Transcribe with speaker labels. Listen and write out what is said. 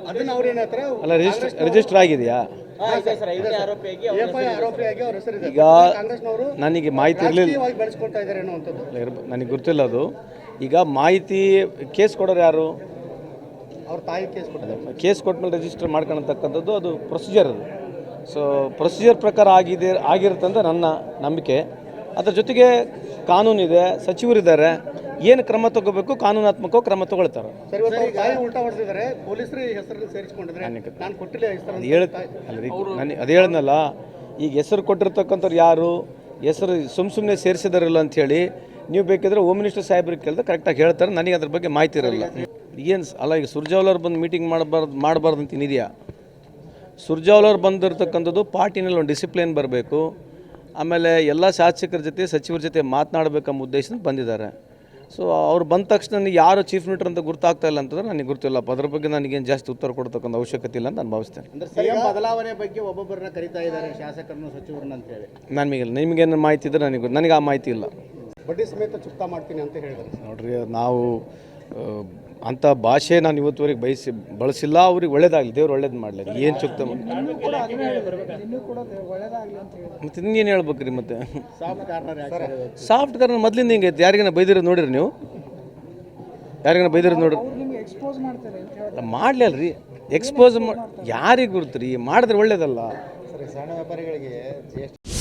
Speaker 1: ಅದನ್ನ ಅವ್ರು ಏನತ್ರ
Speaker 2: ಅಲ್ಲ ರಿಜಿಸ್ಟರ್ ಆಗಿದೆಯಾ? ಈಗ ನನಗೆ ಮಾಹಿತಿ ಇರಲಿಲ್ಲ,
Speaker 1: ಬೆಳೆಸ್ಕೊಳ್ತಾ ಇದ್ದಾರೆ ಅನ್ನುವಂಥದ್ದು
Speaker 2: ನನಗೆ ಗೊತ್ತಿಲ್ಲ ಅದು. ಈಗ ಮಾಹಿತಿ ಕೇಸ್ ಕೊಡೋರು ಯಾರು?
Speaker 1: ಅವ್ರ ತಾಯಿ ಕೇಸ್ ಕೊಟ್ಟಿದ್ದಾರೆ.
Speaker 2: ಕೇಸ್ ಕೊಟ್ಮೇಲೆ ರಿಜಿಸ್ಟರ್ ಮಾಡ್ಕೊಳತಕ್ಕಂಥದ್ದು ಅದು ಪ್ರೊಸೀಜರ್ ಅದು. ಸೊ ಪ್ರೊಸೀಜರ್ ಪ್ರಕಾರ ಆಗಿರುತ್ತೆ ಅಂತ ನನ್ನ ನಂಬಿಕೆ. ಅದರ ಜೊತೆಗೆ ಕಾನೂನಿದೆ, ಸಚಿವರಿದ್ದಾರೆ, ಏನು ಕ್ರಮ ತಗೋಬೇಕು ಕಾನೂನಾತ್ಮಕ ಕ್ರಮ ತಗೊಳ್ತಾರೆ. ಅದು ಹೇಳಿದ್ನಲ್ಲ, ಈಗ ಹೆಸರು ಕೊಟ್ಟಿರ್ತಕ್ಕಂಥವ್ರು ಯಾರು, ಹೆಸರು ಸುಮ್ಮನೆ ಸೇರಿಸಿದಾರಲ್ಲ ಅಂಥೇಳಿ ನೀವು ಬೇಕಿದ್ರೆ ಹೋಮ್ ಮಿನಿಸ್ಟರ್ ಸಾಹೇಬ್ರಿಗೆ ಕೇಳಿದ್ರೆ ಕರೆಕ್ಟಾಗಿ ಹೇಳ್ತಾರೆ. ನನಗೆ ಅದ್ರ ಬಗ್ಗೆ ಮಾಹಿತಿ ಇರಲ್ಲ. ಏನು ಅಲ್ಲ, ಈಗ ಸುರ್ಜೇವಾಲಾ ಬಂದು ಮೀಟಿಂಗ್ ಮಾಡಬಾರ್ದು ಅಂತ ಏನಿದೆಯಾ? ಸುರ್ಜೇವಾಲಾ ಬಂದಿರತಕ್ಕಂಥದ್ದು ಪಾರ್ಟಿನಲ್ಲಿ ಒಂದು ಡಿಸಿಪ್ಲಿನ್ ಬರಬೇಕು, ಆಮೇಲೆ ಎಲ್ಲ ಶಾಸಕರ ಜೊತೆ ಸಚಿವರ ಜೊತೆ ಮಾತನಾಡಬೇಕೆಂಬ ಉದ್ದೇಶದಿಂದ ಬಂದಿದ್ದಾರೆ. ಸೊ ಅವ್ರು ಬಂದ ತಕ್ಷಣ ನನಗೆ ಯಾರು ಚೀಫ್ ಮಿನಿಸ್ಟರ್ ಅಂತ ಗೊತ್ತಾಗ್ತಾ ಇಲ್ಲ ಅಂತಂದ್ರೆ ನನಗೆ ಗೊತ್ತಿಲ್ಲ. ಅದ್ರ ಬಗ್ಗೆ ನನಗೇನು ಜಾಸ್ತಿ ಉತ್ತರ ಕೊಡ್ತಕ್ಕಂಥ ಅವಶ್ಯಕತೆ ಇಲ್ಲ ಅಂತ ನಾನು ಭಾವಿಸ್ತೇನೆ.
Speaker 1: ಬದಲಾವಣೆ ಬಗ್ಗೆ ಒಬ್ಬೊಬ್ಬರನ್ನ ಕರೀತಾ ಇದ್ದಾರೆ, ಶಾಸಕರನ್ನು ಸಚಿವರನ್ನ ಅಂತ ಹೇಳಿ.
Speaker 2: ನಿಮಗೇನು ಮಾಹಿತಿ ಇದ್ದರೆ ನನಗೆ ಆ ಮಾಹಿತಿ ಇಲ್ಲ.
Speaker 1: ಬಡ್ಡಿ ಸಮೇತ ಚುಕ್ತಾ ಮಾಡ್ತೀನಿ ಅಂತ ಹೇಳಿದ್ದಾರೆ.
Speaker 2: ನೋಡ್ರಿ, ನಾವು ಅಂಥ ಭಾಷೆ ನಾನು ಇವತ್ತುವರೆಗೆ ಬಳಸಿಲ್ಲ. ಅವ್ರಿಗೆ ಒಳ್ಳೇದಾಗಲಿ, ದೇವ್ರು ಒಳ್ಳೇದು ಮಾಡಲಿ. ಏನು ಚುಕ್ತ ಮತ್ತೆ ಇನ್ನೇನು ಹೇಳ್ಬೇಕ್ರಿ? ಮತ್ತೆ ಸಾಫ್ಟ್ ಕಾರ್ನರ್ ಮೊದಲಿಂದ ಹಿಂಗೆ ಐತೆ. ಯಾರಿಗಾನ ಬೈದಿರೋದು ನೋಡಿರಿ ನೀವು? ಯಾರಿಗಾನ ಬೈದಿರೋದು ನೋಡ್ರಿ? ಮಾಡಲಿ ಅಲ್ರಿ, ಎಕ್ಸ್ಪೋಸ್ ಯಾರಿಗೆ ಗುರುತ್ರಿ? ಮಾಡಿದ್ರೆ ಒಳ್ಳೇದಲ್ಲ.
Speaker 1: ಸಣ್ಣ ವ್ಯಾಪಾರಿಗಳಿಗೆ